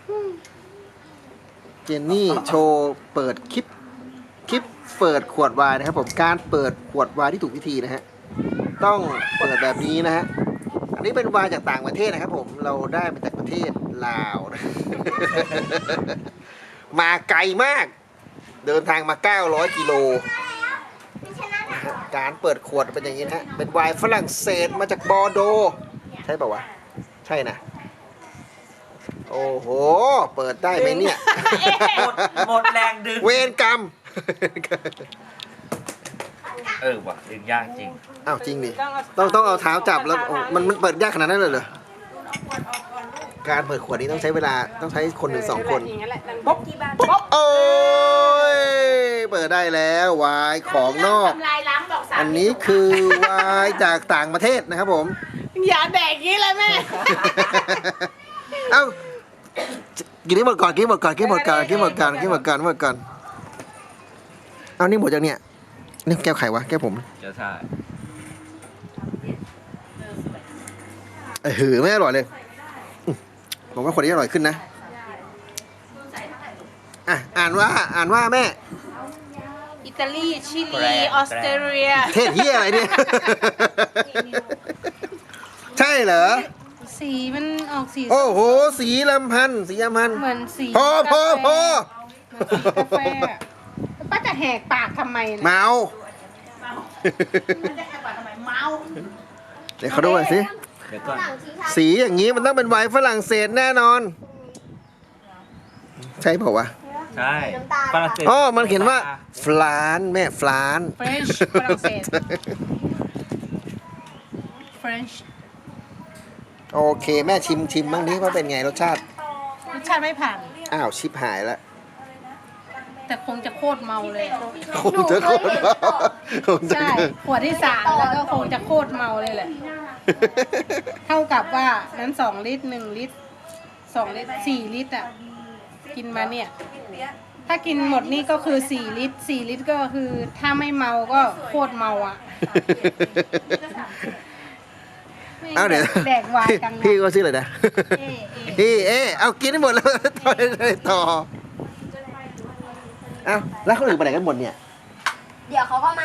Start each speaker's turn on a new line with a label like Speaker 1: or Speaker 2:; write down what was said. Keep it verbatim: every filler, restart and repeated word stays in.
Speaker 1: เจนนี่โชว์เปิดคลิปคลิปเปิดขวดไวน์นะครับผมการเปิดขวดไวน์ที่ถูกวิธีนะฮะต้องเปิดแบบนี้นะฮะอันนี้เป็นไวน์จากต่างประเทศนะครับผมเราได้มาจากประเทศลาวนะ มาไกลมากเดินทางมาเก้าร้อยกิโลการเปิดขวดเป็นอย่างนี้นะฮะเป็นไวน์ฝรั่งเศสมาจากบอร์โดใช่ป่าวะใช่นะโอ้โหเปิดได้ไหมเนี่ย
Speaker 2: หมดหมดแรงดึง
Speaker 1: เวรกรรม
Speaker 2: เออว่ะดึงยากจริง
Speaker 1: อ้าวจริงดิต้องต้องเอาเท้าจับแล้วโอ้มันมันเปิดยากขนาดนั้นเลยเหรอการเปิดขวดนี้ต้องใช้เวลาต้องใช้คนถึงสองคนป๊บป๊บโอ้ยเปิดได้แล้ววายของนอกอันนี้คือวายจากต่างประเทศนะครับผม
Speaker 3: อย่าแดกงี้เลยแม่
Speaker 1: เอ้ากินให้หมดก่อนกินให้หมดก่อนกินให้หมดก่อนกินให้หมดก่อนกินให้หมดก่อนหมดก่อนเอานี่หมดจากเนี่ยนี่แก้วไขวะแก้วผม
Speaker 2: จะใช่
Speaker 1: เออหือไม่อร่อยเลยอืมผมว่าคนนี้อร่อยขึ้นนะอ่ะอ่านว่าอ่านว่าแม่
Speaker 3: อิตาลี ชิลี ออสเตรเลีย
Speaker 1: เทศเฮียอะไรเนี่ย ใช่เหรอ
Speaker 3: สีมันออกสี
Speaker 1: โอ้โหสีลำพันธ์สีลำพันธ์
Speaker 3: เหมือนสี
Speaker 1: พอพอพอ
Speaker 3: กาแฟอะแล้วป้าจะแหกปากทำไมนะ
Speaker 1: เมา
Speaker 3: มันจะแหกปากทำไมเมา
Speaker 1: เดี๋ยวเขาดูหน่อยสิ
Speaker 2: เดี๋ยวก่อน
Speaker 1: สีอย่างนี้มันต้องเป็นไวน์ฝรั่งเศสแน่นอน ใช่เปล่าวะ
Speaker 2: ใช่ฝรั่งเศส
Speaker 1: อ๋อมันเขียนว่าฟลานแม่ฟลาน
Speaker 3: เฟรนช์ฝรั่งเศส เฟรนช์
Speaker 1: โอเคแม่ชิมชิมบ้างดิว่าเป็นไงรสชาติ
Speaker 3: รสชาติไม่ผ่าน
Speaker 1: อ้าวชิบหายแล้ว
Speaker 3: แต่คงจะโคตรเมาเลย
Speaker 1: คงจะโคตรเมาคงจะ
Speaker 3: ใช่ ขวดที่สามแล้วก็คงจะโคตรเมาเลยแหละ เท่ากับว่านั้นสองลิตรหนึ่งลิตรสองลิตรสี่ลิตรอ่ะ กินมาเนี่ย ถ้ากินหมดนี่ก็คือสี่ลิตรสี่ลิตรก็คือถ้าไม่เมาก็โคตรเมาอ่ะ
Speaker 1: เอาเดี๋ยว
Speaker 3: แดกวายกัน
Speaker 1: พี่ก็ชื่ออะไรนะ
Speaker 3: เอ๊ะเอ๊ะ
Speaker 1: พี่เอ๊ะเอากินให้หมดแล้ว ต่อต่อเอ้าแล้วคนอื่นไปไหนกันหมดเนี่ย
Speaker 4: เดี๋ยวเขาก็มา